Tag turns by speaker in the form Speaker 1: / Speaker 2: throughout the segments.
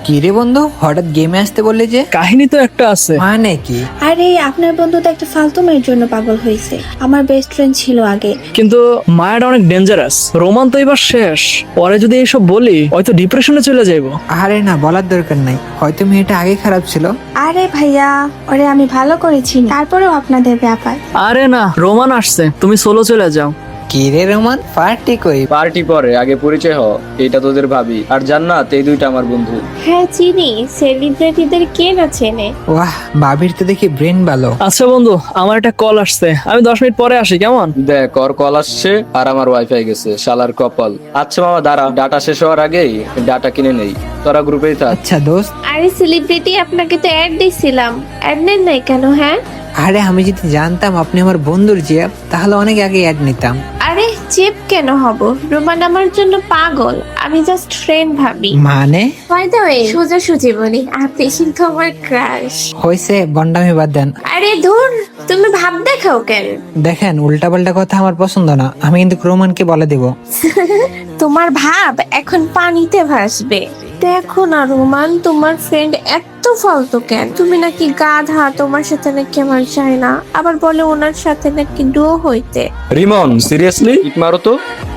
Speaker 1: কি রে বন্ধু, হঠাৎ গেমে আসতে বললে যে?
Speaker 2: কাহিনী তো একটা আছে।
Speaker 1: মানে কি?
Speaker 3: আরে আপনার বন্ধু তো একটা ফালতু মেয়ের জন্য পাগল হয়েছে। আমার বেস্ট ফ্রেন্ড ছিল আগে।
Speaker 2: কিন্তু মায়াটা অনেক ডেঞ্জারাস। রোমান তো এবার শেষ। পরে যদি এইসব বলি হয়তো ডিপ্রেশনে চলে যাইবো।
Speaker 1: আরে না, বলার দরকার নাই, হয়তো মেয়েটা আগে খারাপ ছিল।
Speaker 3: আরে ভাইয়া, ওরে আমি ভালো করেছি, তারপরেও আপনাদের ব্যাপার।
Speaker 2: আরে না, রোমান আসছে, তুমি সোলো চলে যাও।
Speaker 1: কি রে রোমান, পার্টি কই?
Speaker 4: পার্টি পরে, আগে পরিচয় হ। এটা তোদের ভাবি, আর জান্নাত, এই দুইটা আমার বন্ধু।
Speaker 5: হ্যাঁ চিনি, সেলিব্রিটিদের কে না চেনে।
Speaker 1: ওয়াহ, ভাবির তো দেখি ব্রেন ভালো।
Speaker 2: আচ্ছা বন্ধু, আমার একটা কল আসছে, আমি 10 মিনিট পরে আসি, কেমন?
Speaker 4: দেখ, ওর কল আসছে আর আমার ওয়াইফাই গেছে, শালার কপাল। আচ্ছা মামা দাঁড়া, ডাটা শেষ হওয়ার আগেই ডাটা কিনে নেই। তোরা গ্রুপেই থাক।
Speaker 1: আচ্ছা দোস্ত।
Speaker 5: আরে সেলিব্রিটি, আপনাকে তো অ্যাড দিছিলাম, অ্যাড নেন নাই কেন? হ্যাঁ
Speaker 1: আরে আমি যদি জানতাম আপনি আমার বন্ধুর জিয়া, তাহলে অনেক আগে অ্যাড নিতাম।
Speaker 5: আরে চেপ কেন হব? রোমান আমার জন্য পাগল, আমি জাস্ট ফ্রেন্ড ভাবি।
Speaker 1: মানে?
Speaker 5: বাই দ্য ওয়ে, সোজাসুজি বলি, আপনি কিন্তু আমার ক্রাশ।
Speaker 1: হয়েছে, বন্ডামি বাদ দেন।
Speaker 5: আরে ধুর, তুমি ভাব দেখাও কেন?
Speaker 1: দেখেন, উল্টাপাল্টা কথা আমার পছন্দ না, আমি কিন্তু রোমানকে বলে দিব।
Speaker 5: তোমার ভাব এখন পানিতে ভাসবে। দেখো না রোমান, তোমার ফ্রেন্ড এত ফালতু কেন? তুমি নাকি গাধা, তোমার সাথে নাকি আমার চাই না, আবার বলে ওনার সাথে নাকি ডো হইতে।
Speaker 4: রিমন, সিরিয়াসলি কিক মারো তো।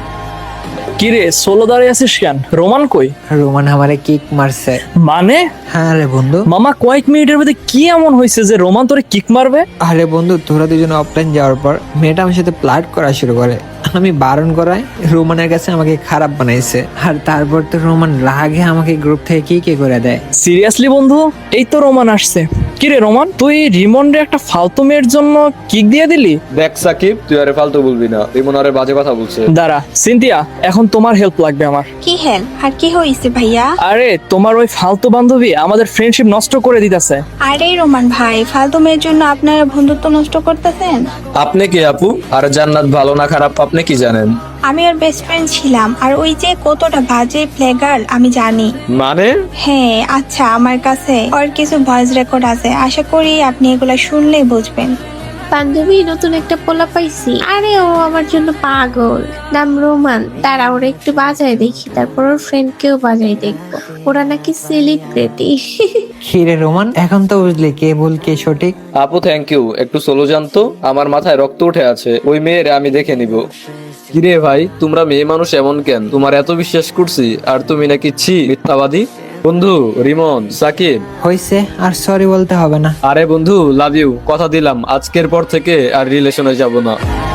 Speaker 2: কি রে, সোলো দাঁড়িয়ে আছিস কেন? রোমান কই?
Speaker 1: রোমান আমারে কিক মারছে।
Speaker 2: মানে?
Speaker 1: হ্যাঁ রে বন্ধু।
Speaker 2: মামা, কয়েক মিনিটের মধ্যে কি এমন হয়েছে যে রোমান তোরে কিক মারবে?
Speaker 1: আরে বন্ধু, তোরা দুজন অফলাইন যাওয়ার পর মেয়েটা আমার সাথে প্লাট করা শুরু করে। আমি বারণ করায় রোমানের কাছে আমাকে খারাপ বানাইছে, আর তারপর তো রোমান রাগে আমাকে গ্রুপ থেকে কি করে দেয়।
Speaker 2: সিরিয়াসলি বন্ধু, এই তো রোমান আসছে। কি রে রোমান, তুই রিমন্ডে একটা ফালতু মেয়ের জন্য কিক দিয়ে দিলি?
Speaker 4: দেখ সাকিব, তুই আরে ফালতু বলবি না, রিমন আরে বাজে কথা বলছে।
Speaker 2: দাঁড়া সিনথিয়া, এখন তোমার হেল্প লাগবে আমার।
Speaker 3: কি হেল্প আর কি হয়েছে ভাইয়া?
Speaker 2: আরে তোমার ওই ফালতু বান্ধবী আমাদের ফ্রেন্ডশিপ নষ্ট করে দিতেছে।
Speaker 3: আরে রোমান ভাই, ফালতু মেয়ের জন্য আপনারা বন্ধুত্ব নষ্ট করতেছেন?
Speaker 4: আপনি কি আপু? আর জান্নাত ভালো না খারাপ আপনি কি জানেন?
Speaker 3: আমি ওর বেস্ট ফ্রেন্ড ছিলাম, আর ওই যে কতটা বাজে প্লে গার্ল আমি জানি।
Speaker 4: মানে?
Speaker 3: হ্যাঁ আচ্ছা, আমার কাছে ওর কিছু ভয়েস রেকর্ড আছে, আশা করি আপনি এগুলা শুনলেই বুঝবেন।
Speaker 5: বান্ধবী, নতুন একটা পোলা পাইছি, আরে ও আমার জন্য পাগল, নাম রোমান। তারা ওরা একটু বাজায় দেখি, তারপর ওর ফ্রেন্ড কেও বাজায় দেখবো। ওরা নাকি সেলিব্রিটি।
Speaker 1: খিরে রোমান, এখন তো বুঝলি কে ভুল কে সঠিক।
Speaker 4: আপু থ্যাংক ইউ, একটু সোলো জানতো, আমার মাথায় রক্ত উঠে আছে। ওই মেয়ের আমি দেখে নিব। কিরে ভাই, তোমরা মেয়ে মানুষ এমন কেন? তোমার এত বিশ্বাস করছি, আর তুমি নাকি ছি মিথ্যাবাদী। বন্ধু রিমন, সাকিব।
Speaker 1: হয়েছে, আর সরি বলতে হবে না।
Speaker 4: আরে বন্ধু, লাভ ইউ, কথা দিলাম আজকের পর থেকে আর রিলেশনে যাব না।